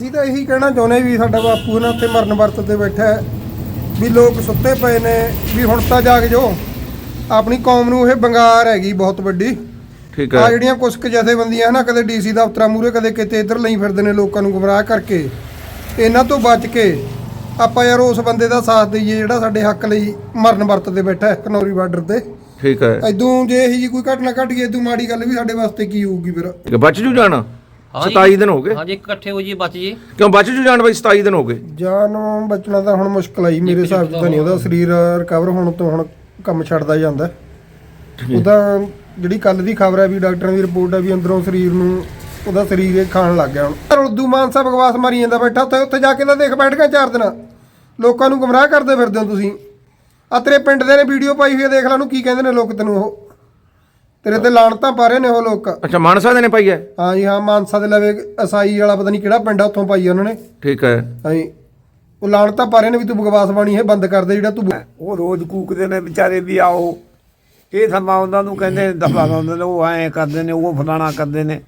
ਅਸੀਂ ਤਾਂ ਇਹੀ ਕਹਿਣਾ ਚਾਹੁੰਦੇ ਵੀ ਸਾਡਾ ਬਾਪੂ ਨਾ ਉੱਥੇ ਮਰਨ ਵਰਤ ਤੇ ਬੈਠਾ ਹੈ ਵੀ ਲੋਕ ਸੁੱਤੇ ਪਏ ਨੇ ਵੀ ਹੁਣ ਤਾਂ ਜਾਗ ਜੋ ਆਪਣੀ ਕੌਮ ਨੂੰ ਇਹ ਬੰਗਾਰ ਹੈਗੀ ਬਹੁਤ ਵੱਡੀ। ਠੀਕ ਹੈ। ਆ ਜਿਹੜੀਆਂ ਕੁਛ ਕੁ ਜਥੇਬੰਦੀਆਂ ਨਾ ਕਦੇ ਡੀਸੀ ਦਫ਼ਤਰਾਂ ਮੂਹਰੇ ਕਦੇ ਕਿਤੇ ਇੱਧਰ ਲਈ ਫਿਰਦੇ ਨੇ ਲੋਕਾਂ ਨੂੰ ਗੁੰਮਰਾਹ ਕਰਕੇ, ਇਹਨਾਂ ਤੋਂ ਬਚ ਕੇ ਆਪਾਂ ਯਾਰ ਉਸ ਬੰਦੇ ਦਾ ਸਾਥ ਦਈਏ ਜਿਹੜਾ ਸਾਡੇ ਹੱਕ ਲਈ ਮਰਨ ਵਰਤ ਤੇ ਬੈਠਾ ਹੈ ਖਨੌਰੀ ਬਾਰਡਰ ਤੇ। ਠੀਕ ਹੈ। ਇਦੋਂ ਜੇ ਇਹੀ ਜੀ ਕੋਈ ਘਟਨਾ ਘਟ ਗਈ ਇਦੋਂ ਮਾੜੀ ਗੱਲ ਵੀ ਸਾਡੇ ਵਾਸਤੇ ਕੀ ਹੋਊਗੀ ਫਿਰ। ਬਚ ਜੂ ਜਾਣਾ 27 ਦਿਨ ਹੋ ਗਏ। ਹਾਂਜੀ ਇਕੱਠੇ ਹੋ ਜੀ ਬਚ ਜੀ। ਕਿਉਂ ਬਚ ਜੂ ਜਾਣ ਬਾਈ 27 ਦਿਨ ਹੋ ਗਏ। ਜਾਨ ਬਚਣਾ ਤਾਂ ਹੁਣ ਮੁਸ਼ਕਲ ਆਈ ਮੇਰੇ ਹਿਸਾਬ ਤੋਂ ਨਹੀਂ। ਉਹਦਾ ਸਰੀਰ ਰਿਕਵਰ ਹੋਣ ਤੋਂ ਹੁਣ ਕੰਮ ਛੱਡਦਾ ਜਾਂਦਾ। ਉਹਦਾ ਜਿਹੜੀ ਕੱਲ ਦੀ ਖਬਰ ਹੈ ਵੀ ਡਾਕਟਰਾਂ ਦੀ ਰਿਪੋਰਟ ਹੈ ਵੀ ਅੰਦਰੋਂ ਸਰੀਰ ਨੂੰ ਉਹਦਾ ਸਰੀਰ ਇਹ ਖਾਣ ਲੱਗ ਗਿਆ ਹੁਣ। ਉਰਦੂ ਮਾਨਸਾ ਬਕਵਾਸ ਮਾਰੀ ਜਾਂਦਾ ਬੈਠਾ ਉੱਥੇ ਜਾ ਕੇ ਤਾਂ ਦੇਖ ਬੈਠ ਗਿਆ 4 ਦਿਨ ਲੋਕਾਂ ਨੂੰ ਗੁੰਮਰਾਹ ਕਰਦੇ ਫਿਰਦੇ ਹੋ ਤੁਸੀਂ। ਆ ਤੇਰੇ ਪਿੰਡ ਦੇ ਨੇ ਵੀਡੀਓ ਪਾਈ ਹੋਈ ਹੈ ਦੇਖ ਲੈ ਉਹਨੂੰ ਕੀ ਕਹਿੰਦੇ ਨੇ ਲੋਕ ਤੈਨੂੰ। ਉਹ ਤੇਰੇ ਤੇ ਲਾਣਤਾਂ ਪਾ ਰਹੇ ਨੇ ਉਹ ਲੋਕ। ਅੱਛਾ ਮਾਨਸਾ ਦੇ ਨੇ ਪਾਈ ਹੈ। ਹਾਂ ਜੀ ਹਾਂ ਮਾਨਸਾ ਦੇ ਲਵੇ ਅਸਾਈ ਵਾਲਾ ਪਤਾ ਨਹੀਂ ਕਿਹੜਾ ਪਿੰਡ ਆ ਉੱਥੋਂ ਪਾਈ ਉਹਨਾਂ ਨੇ। ਠੀਕ ਹੈ। ਹਾਂ ਜੀ ਉਹ ਲਾਣਤਾਂ ਪਾ ਰਹੇ ਨੇ ਵੀ ਤੂੰ ਬਕਵਾਸ ਬਾਣੀ ਇਹ ਬੰਦ ਕਰ ਦੇ ਜਿਹੜਾ ਤੂੰ। ਉਹ ਰੋਜ਼ ਕੂਕਦੇ ਨੇ ਵਿਚਾਰੇ ਵੀ ਆਓ ਇਹ ਸਮਾਂ ਉਹਨਾਂ ਨੂੰ ਕਹਿੰਦੇ ਦਫਾ ਲਾਉਂਦੇ ਨੇ ਉਹ ਐਂ ਕਰਦੇ ਨੇ ਉਹ ਫਲਾਣਾ ਕਰਦੇ ਨੇ।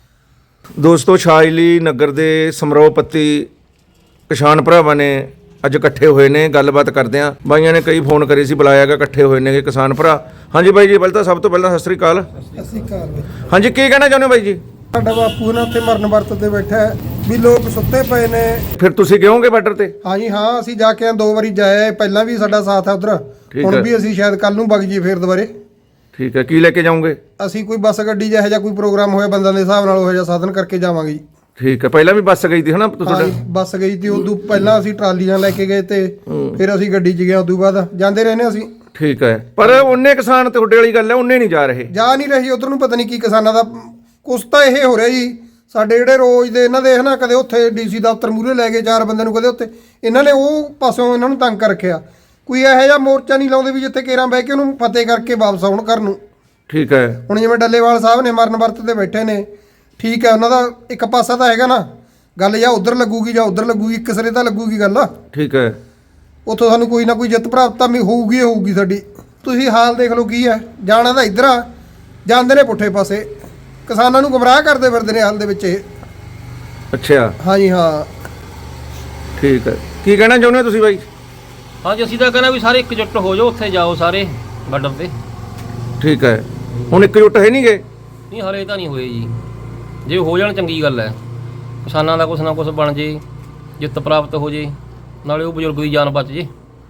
ਦੋਸਤੋ ਛਾਜਲੀ ਨਗਰ ਦੇ ਸਮਰੋਪਤੀ ਕਿਸਾਨ ਭਰਾਵਾਂ ਨੇ ਅੱਜ ਇਕੱਠੇ ਹੋਏ ਨੇ। ਗੱਲਬਾਤ ਕਰਦੇ ਆ। ਬਾਈਆਂ ਨੇ ਕਈ ਫੋਨ ਕਰੇ ਸੀ ਬੁਲਾਇਆ ਗਿਆ ਇਕੱਠੇ ਹੋਏ ਨੇ ਕਿਸਾਨ ਭਰਾ। ਹਾਂਜੀ ਬਾਈ ਜੀ ਪਹਿਲਾਂ ਤਾਂ ਸਭ ਤੋਂ ਪਹਿਲਾਂ ਸਤਿ ਸ੍ਰੀ ਅਕਾਲ। ਅਸੀਂ ਘਰ ਦੇ ਹਾਂਜੀ ਕੀ ਕਹਿਣਾ ਚਾਹੁੰਦੇ ਹੋ ਬਾਈ ਜੀ। ਸਾਡਾ ਬਾਪੂ ਨਾ ਉੱਥੇ ਮਰਨ ਵਰਤ ਤੇ ਬੈਠਾ ਹੈ ਵੀ ਲੋਕ ਸੁੱਤੇ ਪਏ ਨੇ। ਫਿਰ ਤੁਸੀਂ ਕਿਹੋਗੇ ਬਾਰਡਰ ਤੇ। ਹਾਂਜੀ ਹਾਂ ਅਸੀਂ ਜਾ ਕੇ 2 ਵਾਰੀ ਜਾਏ ਪਹਿਲਾਂ ਵੀ ਸਾਡਾ ਸਾਥ ਹੈ ਉਧਰ। ਹੁਣ ਵੀ ਅਸੀਂ ਸ਼ਾਇਦ ਕੱਲ ਨੂੰ ਵਗ ਜੀ ਫੇਰ ਦੁਬਾਰੇ। ਠੀਕ ਹੈ। ਕੀ ਲੈ ਕੇ ਜਾਓਗੇ। ਅਸੀਂ ਕੋਈ ਬੱਸ ਗੱਡੀ ਜਿਹੋ ਜਿਹਾ ਕੋਈ ਪ੍ਰੋਗਰਾਮ ਹੋਇਆ ਬੰਦਾਂ ਦੇ ਹਿਸਾਬ ਨਾਲ ਉਹ ਜਿਹਾ ਸਾਧਨ ਕਰਕੇ ਜਾਵਾਂਗੇ ਜੀ। ਠੀਕ ਹੈ। ਪਹਿਲਾਂ ਵੀ ਬੱਸ ਗਈ ਸੀ ਹਨਾ ਤੁਹਾਡਾ। ਬੱਸ ਗਈ ਤੀ ਉਦੋਂ ਪਹਿਲਾਂ ਅਸੀਂ ਟਰਾਲੀਆਂ ਲੈ ਕੇ ਗਏ ਤੇ ਫਿਰ ਅਸੀਂ ਗੱਡੀ 'ਚ ਗਏ ਉਦੋਂ ਬਾਅਦ ਜਾਂਦੇ ਰਹੇ ਨੇ ਅਸੀਂ। ਠੀਕ ਹੈ। ਪਰ ਉਹਨੇ ਕਿਸਾਨ ਤੁਹਾਡੇ ਵਾਲੀ ਗੱਲ ਹੈ ਉਹਨੇ ਨਹੀਂ ਜਾ ਰਹੇ। ਜਾ ਨਹੀਂ ਰਹੀ ਉਧਰ ਨੂੰ ਪਤਾ ਨਹੀਂ ਕੀ ਕਿਸਾਨਾਂ ਦਾ ਕੁਛ ਤਾਂ ਇਹ ਹੋ ਰਿਹਾ ਜੀ। ਸਾਡੇ ਜਿਹੜੇ ਰੋਜ਼ ਦੇ ਇਹਨਾਂ ਦੇ ਹਨਾ ਕਦੇ ਉੱਥੇ ਡੀਸੀ ਦਫ਼ਤਰ ਮੂਹਰੇ ਲੈ ਗਏ 4 ਬੰਦਿਆਂ ਨੂੰ ਕਦੇ ਉੱਥੇ ਇਹਨਾਂ ਨੇ ਉਹ ਪਾਸੋਂ ਇਹਨਾਂ ਨੂੰ ਤੰਗ ਕਰ ਰੱਖਿਆ। ਕੋਈ ਇਹੋ ਜਿਹਾ ਮੋਰਚਾ ਨਹੀਂ ਲਾਉਂਦੇ ਵੀ ਜਿੱਥੇ ਕੇਰਾਂ ਬਹਿ ਕੇ ਉਹਨੂੰ ਫਤਿਹ ਕਰਕੇ ਵਾਪਸ ਆਉਣ ਘਰ ਨੂੰ। ਠੀਕ ਹੈ। ਹੁਣ ਜਿਵੇਂ ਡੱਲੇਵਾਲ ਸਾਹਿਬ ਨੇ ਮਰਨ ਵਰਤ ਤੇ ਬੈਠੇ ਨੇ ਠੀਕ ਹੈ ਉਹਨਾਂ ਦਾ ਇੱਕ ਪਾਸਾ ਤਾਂ ਹੈਗਾ ਨਾ ਗੱਲ ਜਾਂ ਉੱਧਰ ਲੱਗੂਗੀ ਜਾਂ ਉੱਧਰ ਲੱਗੂਗੀ ਇੱਕ ਸਿਰੇ ਤਾਂ ਲੱਗੂਗੀ ਗੱਲ। ਠੀਕ ਹੈ। ਉੱਥੋਂ ਸਾਨੂੰ ਕੋਈ ਨਾ ਕੋਈ ਜਿੱਤ ਪ੍ਰਾਪਤ ਹੋਊਗੀ ਹੋਊਗੀ ਸਾਡੀ। ਤੁਸੀਂ ਹਾਲ ਦੇਖ ਲਓ ਕੀ ਹੈ। ਜਾਣਾ ਤਾਂ ਇੱਧਰ ਆ ਜਾਂਦੇ ਨੇ ਪੁੱਠੇ ਪਾਸੇ ਕਿਸਾਨਾਂ ਨੂੰ ਗੁੰਮਰਾਹ ਕਰਦੇ ਫਿਰਦੇ ਨੇ ਹਾਲ ਦੇ ਵਿੱਚ ਇਹ। ਅੱਛਾ। ਹਾਂਜੀ ਹਾਂ ਠੀਕ ਹੈ। ਕੀ ਕਹਿਣਾ ਚਾਹੁੰਦੇ ਹੋ ਤੁਸੀਂ ਬਾਈ। ਹਾਂਜੀ ਅਸੀਂ ਤਾਂ ਕਹਿੰਦਾ ਵੀ ਸਾਰੇ ਇਕਜੁੱਟ ਹੋ ਜਾਓ ਉੱਥੇ ਜਾਓ ਸਾਰੇ ਬਾਰਡਰ ਤੇ। ਠੀਕ ਹੈ। ਹੁਣ ਇਕਜੁੱਟ ਹੈ ਨਹੀਂ ਗਏ। ਨਹੀਂ ਹਲੇ ਤਾਂ ਨਹੀਂ ਹੋਏ ਜੀ। ਜੇ ਹੋ ਜਾਣ ਚੰਗੀ ਗੱਲ ਹੈ। ਕਿਸਾਨਾਂ ਦਾ ਕੁਛ ਨਾ ਕੁਛ ਬਣ ਜੇ ਜਿੱਤ ਪ੍ਰਾਪਤ ਹੋ ਜੇ ਨਾਲੇ ਉਹ ਬਜ਼ੁਰਗ ਦੀ ਜਾਨ ਬਚ ਜੇ।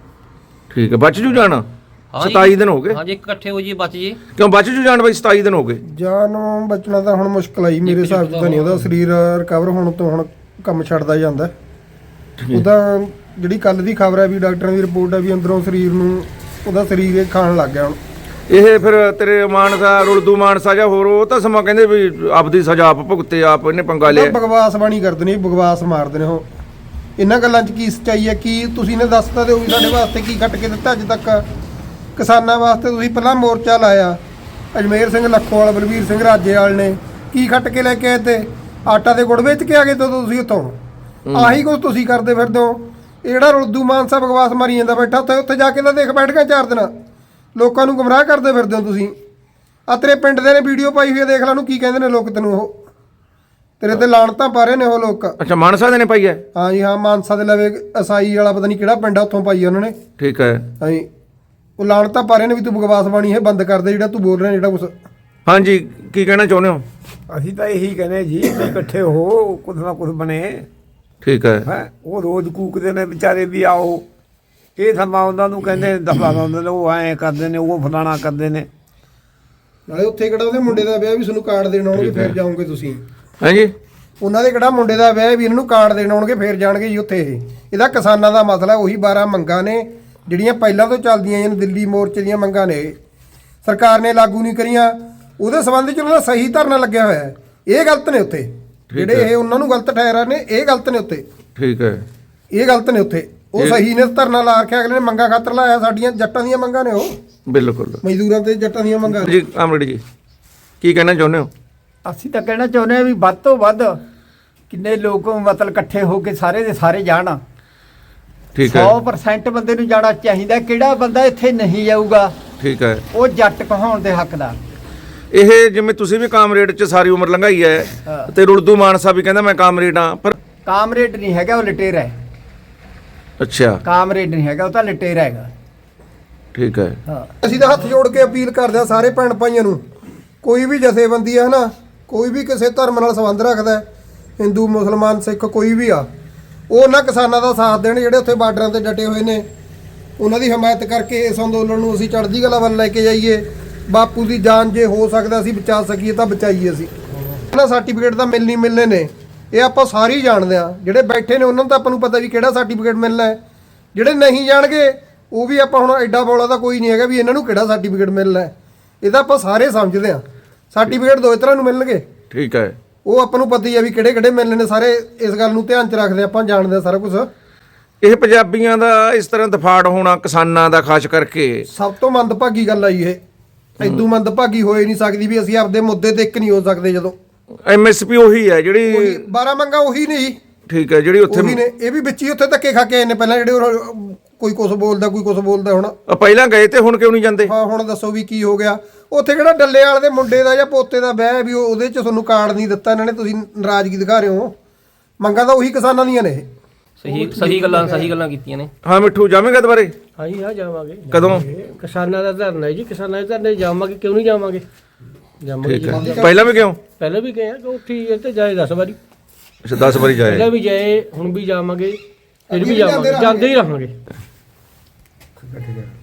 ਠੀਕ ਹੈ। ਬਚ ਜੂ ਜਾਣਾ 27 ਦਿਨ ਹੋ ਗਏ। ਹਾਂਜੀ ਇਕੱਠੇ ਹੋ ਜੀ ਬਚ ਜੀ। ਕਿਉਂ ਬਚ ਜੂ ਜਾਣ ਬਾਈ 27 ਦਿਨ ਹੋ ਗਏ। ਜਾਨ ਬਚਣਾ ਤਾਂ ਹੁਣ ਮੁਸ਼ਕਲ ਆਈ ਮੇਰੇ ਹਿਸਾਬ ਤੋਂ ਨਹੀਂ। ਉਹਦਾ ਸਰੀਰ ਰਿਕਵਰ ਹੋਣ ਤੋਂ ਹੁਣ ਕੰਮ ਛੱਡਦਾ ਜਾਂਦਾ। ਉਹਦਾ ਜਿਹੜੀ ਕੱਲ ਦੀ ਖਬਰ ਹੈ ਵੀ ਡਾਕਟਰਾਂ ਦੀ ਰਿਪੋਰਟ ਹੈ ਵੀ ਅੰਦਰੋਂ ਸਰੀਰ ਨੂੰ ਉਹਦਾ ਸਰੀਰ ਇਹ ਖਾਣ ਲੱਗ ਗਿਆ ਹੁਣ। ਇਹ ਫਿਰ ਤੇਰੇ ਮਾਨਸਾ ਉਰਦੂ ਮਾਨਸਾ ਜਾਂ ਹੋਰ ਉਹ ਤਾਂ ਸਮਾਂ ਕਹਿੰਦੇ ਵੀ ਆਪਦੀ ਸਜ਼ਾ ਆਪ ਭੁਗਤੇ ਆਪ ਇਹਨੇ ਪੰਗਾ ਲਿਆ। ਬਕਵਾਸ ਬਾਣੀ ਕਰਦੇ ਨੇ ਬਕਵਾਸ ਮਾਰਦੇ ਨੇ ਉਹ। ਇਹਨਾਂ ਗੱਲਾਂ 'ਚ ਕੀ ਸੱਚਾਈ ਹੈ ਕੀ ਤੁਸੀਂ ਨੇ ਦੱਸ ਤਾਂ ਦਿਓ ਵੀ ਸਾਡੇ ਵਾਸਤੇ ਕੀ ਕੱਟ ਕੇ ਦਿੱਤਾ ਅੱਜ ਤੱਕ। ਕਿਸਾਨਾਂ ਵਾਸਤੇ ਤੁਸੀਂ ਪਹਿਲਾਂ ਮੋਰਚਾ ਲਾਇਆ ਅਜਮੇਰ ਸਿੰਘ ਲੱਖੋਵਾਲ ਬਲਵੀਰ ਸਿੰਘ ਰਾਜੇਵਾਲ ਨੇ ਕੀ ਖੱਟ ਕੇ ਲੈ ਕੇ ਆਏ ਤੇ ਆਟਾ ਦੇ ਗੁੜ ਵੇਚ ਕੇ ਆ ਗਏ ਤੁਸੀਂ ਉੱਥੋਂ। ਆਹੀ ਕੁਝ ਤੁਸੀਂ ਕਰਦੇ ਫਿਰਦੇ ਹੋ। ਇਹ ਜਿਹੜਾ ਉਰਦੂ ਮਾਨਸਾ ਬਕਵਾਸ ਮਾਰੀ ਜਾਂਦਾ ਬੈਠਾ ਉੱਥੇ ਜਾ ਕੇ ਤਾਂ ਦੇਖ ਬੈਠ ਗਿਆ 4 ਦਿਨ ਲੋਕਾਂ ਨੂੰ ਗੁੰਮਰਾਹ ਕਰਦੇ ਫਿਰਦੇ ਹੋ ਤੁਸੀਂ। ਆ ਤੇਰੇ ਪਿੰਡ ਦੇ ਨੇ ਵੀਡੀਓ ਪਾਈ ਹੋਈ ਹੈ ਦੇਖ ਲੈ ਉਹਨੂੰ ਕੀ ਕਹਿੰਦੇ ਨੇ ਲੋਕ ਤੈਨੂੰ। ਉਹ ਤੇਰੇ ਤੇ ਲਾਣਤਾਂ ਪਾ ਰਹੇ ਨੇ ਉਹ ਲੋਕ। ਅੱਛਾ ਮਾਨਸਾ ਦੇ ਨੇ ਪਾਈ ਹੈ। ਹਾਂ ਜੀ ਹਾਂ ਮਾਨਸਾ ਦੇ ਲਵੇ ਅਸਾਈ ਵਾਲਾ ਪਤਾ ਨਹੀਂ ਕਿਹੜਾ ਪਿੰਡ ਆ ਉੱਥੋਂ ਪਾਈ ਉਹਨਾਂ ਨੇ। ਠੀਕ ਹੈ। ਹਾਂ ਜੀ ਉਹ ਲਾਣਤਾਂ ਪਾ ਰਹੇ ਨੇ ਵੀ ਤੂੰ ਬਕਵਾਸ ਬਾਣੀ ਇਹ ਬੰਦ ਕਰ ਦੇ ਜਿਹੜਾ ਤੂੰ ਬੋਲ ਰਿਹਾ ਜਿਹੜਾ ਕੁਛ। ਹਾਂਜੀ ਕੀ ਕਹਿਣਾ ਚਾਹੁੰਦੇ ਹੋ। ਅਸੀਂ ਤਾਂ ਇਹੀ ਕਹਿੰਦੇ ਜੀ ਵੀ ਇਕੱਠੇ ਹੋ ਕੁਛ ਨਾ ਕੁਛ ਬਣੇ। ਠੀਕ ਹੈ। ਹੈ ਉਹ ਰੋਜ਼ ਕੂਕਦੇ ਨੇ ਵਿਚਾਰੇ ਵੀ ਆਓ ਇਹ ਸਮਾਂ ਉਹਨਾਂ ਨੂੰ ਕਹਿੰਦੇ ਦਫਾ ਲਾਉਂਦੇ ਨੇ ਉਹ ਐਂ ਕਰਦੇ ਨੇ ਉਹ ਫਲਾਣਾ ਕਰਦੇ ਨੇ। ਨਾਲੇ ਉੱਥੇ ਕਿਹੜਾ ਉਹਦੇ ਮੁੰਡੇ ਦਾ ਵਿਆਹ ਵੀ ਤੁਹਾਨੂੰ ਕਾਰਡ ਦੇਣ ਆਉਣਗੇ ਫੇਰ ਜਾਓਗੇ ਤੁਸੀਂ। ਹਾਂਜੀ ਉਹਨਾਂ ਦੇ ਕਿਹੜਾ ਮੁੰਡੇ ਦਾ ਵਿਆਹ ਵੀ ਇਹਨਾਂ ਨੂੰ ਕਾਰਡ ਦੇਣ ਆਉਣਗੇ ਫੇਰ ਜਾਣਗੇ ਜੀ ਉੱਥੇ। ਇਹਦਾ ਕਿਸਾਨਾਂ ਦਾ ਮਸਲਾ ਉਹੀ 12 ਮੰਗਾਂ ਨੇ ਜਿਹੜੀਆਂ ਪਹਿਲਾਂ ਤੋਂ ਚੱਲਦੀਆਂ ਨੇ ਦਿੱਲੀ ਮੋਰਚੇ ਦੀਆਂ ਮੰਗਾਂ ਨੇ ਸਰਕਾਰ ਨੇ ਲਾਗੂ ਨਹੀਂ ਕਰੀਆਂ। ਉਹਦੇ ਸੰਬੰਧ 'ਚ ਉਹਨਾਂ ਦਾ ਸਹੀ ਧਰਨਾ ਲੱਗਿਆ ਹੋਇਆ ਹੈ। ਇਹ ਗਲਤ ਨੇ ਉੱਥੇ ਜਿਹੜੇ ਇਹ ਉਹਨਾਂ ਨੂੰ ਗਲਤ ਠਹਿਰਾ ਨੇ ਇਹ ਗਲਤ ਨੇ ਉੱਥੇ। ਠੀਕ ਹੈ। ਇਹ ਗਲਤ ਨੇ ਉੱਥੇ ਉਹ ਸਹੀ ਨੇ ਧਰਨਾ ਲਾ ਰੱਖਿਆ ਅਗਲੇ ਨੇ ਮੰਗਾਂ ਖਾਤਰ ਲਾਇਆ। ਸਾਡੀਆਂ ਜੱਟਾਂ ਦੀਆਂ ਮੰਗਾਂ ਨੇ ਉਹ ਬਿਲਕੁਲ ਮਜ਼ਦੂਰਾਂ ਤੇ ਜੱਟਾਂ ਦੀਆਂ ਮੰਗਾਂ। ਜੀ ਆਮਰੇਡੀ ਜੀ ਕੀ ਕਹਿਣਾ ਚਾਹੁੰਦੇ ਹੋ। ਅਸੀਂ ਤਾਂ ਕਹਿਣਾ ਚਾਹੁੰਦੇ ਹਾਂ ਵੀ ਵੱਧ ਤੋਂ ਵੱਧ ਕਿੰਨੇ ਲੋਕ ਮਤਲਬ ਇਕੱਠੇ ਹੋ ਕੇ ਸਾਰੇ ਦੇ ਸਾਰੇ ਜਾਣ। ਠੀਕ ਹੈ। 100% ਬੰਦੇ ਨੂੰ ਜਾਣਾ ਚਾਹੀਦਾ। ਕਿਹੜਾ ਬੰਦਾ ਇੱਥੇ ਨਹੀਂ ਜਾਊਗਾ ਠੀਕ ਹੈ। ਉਹ ਜੱਟ ਕਹਾਉਣ ਦੇ ਹੱਕਦਾਰ। ਇਹ ਜਿਵੇਂ ਤੁਸੀਂ ਵੀ ਕਾਮਰੇਡ 'ਚ ਸਾਰੀ ਉਮਰ ਲੰਘਾਈ ਹੈ ਤੇ ਉਰਦੂ ਮਾਨਸਾ ਵੀ ਕਹਿੰਦਾ ਮੈਂ ਕਾਮਰੇਡ ਹਾਂ ਪਰ ਕਾਮਰੇਡ ਨਹੀਂ ਹੈਗਾ, ਉਹ ਲਟੇਰਾ ਹੈ। ਅੱਛਾ ਕਾਮਰੇਡ ਨਹੀਂ ਹੈਗਾ, ਉਹ ਤਾਂ ਲਟੇਰਾ ਹੈਗਾ। ਠੀਕ ਹੈ। ਹਾਂ ਅਸੀਂ ਤਾਂ ਹੱਥ ਜੋੜ ਕੇ ਅਪੀਲ ਕਰਦੇ ਹਾਂ ਸਾਰੇ ਭੈਣ ਭਾਈਆਂ ਨੂੰ, ਕੋਈ ਵੀ ਜਥੇਬੰਦੀ ਹੈ ਨਾ, ਕੋਈ ਵੀ ਕਿਸੇ ਧਰਮ ਨਾਲ ਸੰਬੰਧ ਰੱਖਦਾ ਹੈ, ਹਿੰਦੂ ਮੁਸਲਮਾਨ ਸਿੱਖ ਕੋਈ ਵੀ ਆ, ਉਹ ਉਹਨਾਂ ਕਿਸਾਨਾਂ ਦਾ ਸਾਥ ਦੇਣ ਜਿਹੜੇ ਉੱਥੇ ਬਾਰਡਰਾਂ ਤੇ ਡਟੇ ਹੋਏ ਨੇ। ਉਹਨਾਂ ਦੀ ਹਮਾਇਤ ਕਰਕੇ ਇਸ ਅੰਦੋਲਨ ਨੂੰ ਅਸੀਂ ਚੜ੍ਹਦੀ ਕਲਾ ਵੱਲ ਲੈ ਕੇ ਜਾਈਏ। ਬਾਪੂ ਦੀ ਜਾਨ ਜੇ ਹੋ ਸਕਦਾ ਅਸੀਂ ਬਚਾ ਸਕੀਏ ਤਾਂ ਬਚਾਈਏ। ਅਸੀਂ ਇਹਨਾਂ ਸਰਟੀਫਿਕੇਟ ਤਾਂ ਮਿਲਣੇ ਨੇ, ਇਹ ਆਪਾਂ ਸਾਰੇ ਹੀ ਜਾਣਦੇ ਆ। ਜਿਹੜੇ ਬੈਠੇ ਨੇ ਉਹਨਾਂ ਨੂੰ ਤਾਂ ਆਪਾਂ ਨੂੰ ਪਤਾ ਵੀ ਕਿਹੜਾ ਸਰਟੀਫਿਕੇਟ ਮਿਲਣਾ ਹੈ। ਜਿਹੜੇ ਨਹੀਂ ਜਾਣਗੇ ਉਹ ਵੀ ਆਪਾਂ ਹੁਣ ਐਡਾ ਬੋਲਾ ਤਾਂ ਕੋਈ ਨਹੀਂ ਹੈਗਾ ਵੀ ਇਹਨਾਂ ਨੂੰ ਕਿਹੜਾ ਸਰਟੀਫਿਕੇਟ ਮਿਲਣਾ ਹੈ। ਇਹ ਤਾਂ ਆਪਾਂ ਸਾਰੇ ਸਮਝਦੇ ਆ। ਸਰਟੀਫਿਕੇਟ ਦੋ ਤਰ੍ਹਾਂ ਨੂੰ ਮਿਲਣਗੇ, ਠੀਕ ਹੈ। ਉਹ ਆਪਾਂ ਨੂੰ ਪਤਾ ਹੀ ਆ ਵੀ ਕਿਹੜੇ ਕਿਹੜੇ ਮਿਲਣੇ ਨੇ। ਸਾਰੇ ਇਸ ਗੱਲ ਨੂੰ ਧਿਆਨ 'ਚ ਰੱਖਦੇ ਆਪਾਂ, ਜਾਣਦੇ ਆ ਸਾਰਾ ਕੁਝ। ਇਹ ਪੰਜਾਬੀਆਂ ਦਾ ਇਸ ਤਰ੍ਹਾਂ ਦਫਾੜ ਹੋਣਾ ਕਿਸਾਨਾਂ ਦਾ ਖਾਸ ਕਰਕੇ ਸਭ ਤੋਂ ਮੰਦਭਾਗੀ ਗੱਲ ਆਈ ਇਹ। ਇਦੋਂ ਮੰਦਭਾਗੀ ਹੋਏ ਨਹੀਂ ਸਕਦੀ ਵੀ ਅਸੀਂ ਆਪਦੇ ਮੁੱਦੇ ਤੇ ਇੱਕ ਨਹੀਂ ਹੋ ਸਕਦੇ। ਜਦੋਂ ਐਮਐਸਪੀ ਉਹੀ ਹੈ ਜਿਹੜੀ 12 ਮੰਗਾ ਉਹੀ ਨੇ ਜੀ, ਠੀਕ ਹੈ ਜਿਹੜੀ ਉੱਥੇ ਉਹੀ ਨੇ। ਇਹ ਵੀ ਵਿੱਚ ਹੀ ਉੱਥੇ ਧੱਕੇ ਖਾ ਕੇ ਆਏ ਨੇ ਪਹਿਲਾਂ, ਜਿਹੜੇ ਕੋਈ ਕੁਛ ਬੋਲਦਾ ਕੋਈ ਕੁਛ ਬੋਲਦਾ। ਹੁਣ ਪਹਿਲਾਂ ਗਏ ਤੇ ਹੁਣ ਕਿਉਂ ਨਹੀਂ ਜਾਂਦੇ? ਹਾਂ ਹੁਣ ਦੱਸੋ ਵੀ ਕੀ ਹੋ ਗਿਆ ਉੱਥੇ? ਕਿਹੜਾ ਡੱਲੇ ਵਾਲੇ ਦੇ ਮੁੰਡੇ ਦਾ ਜਾਂ ਪੋਤੇ ਦਾ ਵਿਆਹ ਹੈ ਵੀ ਉਹਦੇ 'ਚ ਤੁਹਾਨੂੰ ਕਾਰਡ ਨਹੀਂ ਦਿੱਤਾ ਇਹਨਾਂ ਨੇ, ਤੁਸੀਂ ਨਾਰਾਜ਼ਗੀ ਦਿਖਾ ਰਹੇ ਹੋ। ਮੰਗਾਂ ਤਾਂ ਉਹੀ ਕਿਸਾਨਾਂ ਦੀਆਂ ਨੇ ਇਹ। ਸਹੀ ਗੱਲਾਂ ਕੀਤੀਆਂ ਨੇ। ਹਾਂ ਮਿੱਠੂ ਜਾਵੇਂਗਾ ਦੁਬਾਰੇ? ਹਾਂਜੀ ਹਾਂ ਜਾਵਾਂਗੇ। ਕਦੋਂ? ਕਿਸਾਨਾਂ ਦਾ ਧਰਨਾ ਹੈ ਜੀ, ਕਿਸਾਨਾਂ ਦੇ ਧਰਨੇ ਜਾਵਾਂਗੇ, ਕਿਉਂ ਨਹੀਂ ਜਾਵਾਂਗੇ? ਜਾਵਾਂਗੇ ਠੀਕ ਜੀ। ਹੈ। ਪਹਿਲਾਂ ਵੀ ਕਿਉਂ? ਪਹਿਲਾਂ ਵੀ ਗਏ ਆ ਕਿ ਉੱਥੇ ਹੀ ਤੇ ਜਾਏ 10 ਵਾਰੀ, ਅੱਛਾ 10 ਵਾਰੀ ਜਾਏ। ਪਹਿਲਾਂ ਵੀ ਜਾਏ, ਹੁਣ ਵੀ ਜਾਵਾਂਗੇ, ਫਿਰ ਅੱਗੇ ਵੀ ਵੀ ਜਾਵਾਂਗੇ, ਜਾਂਦੇ ਜਾਂਦੇ ਹੀ ਰਹਾਂਗੇ।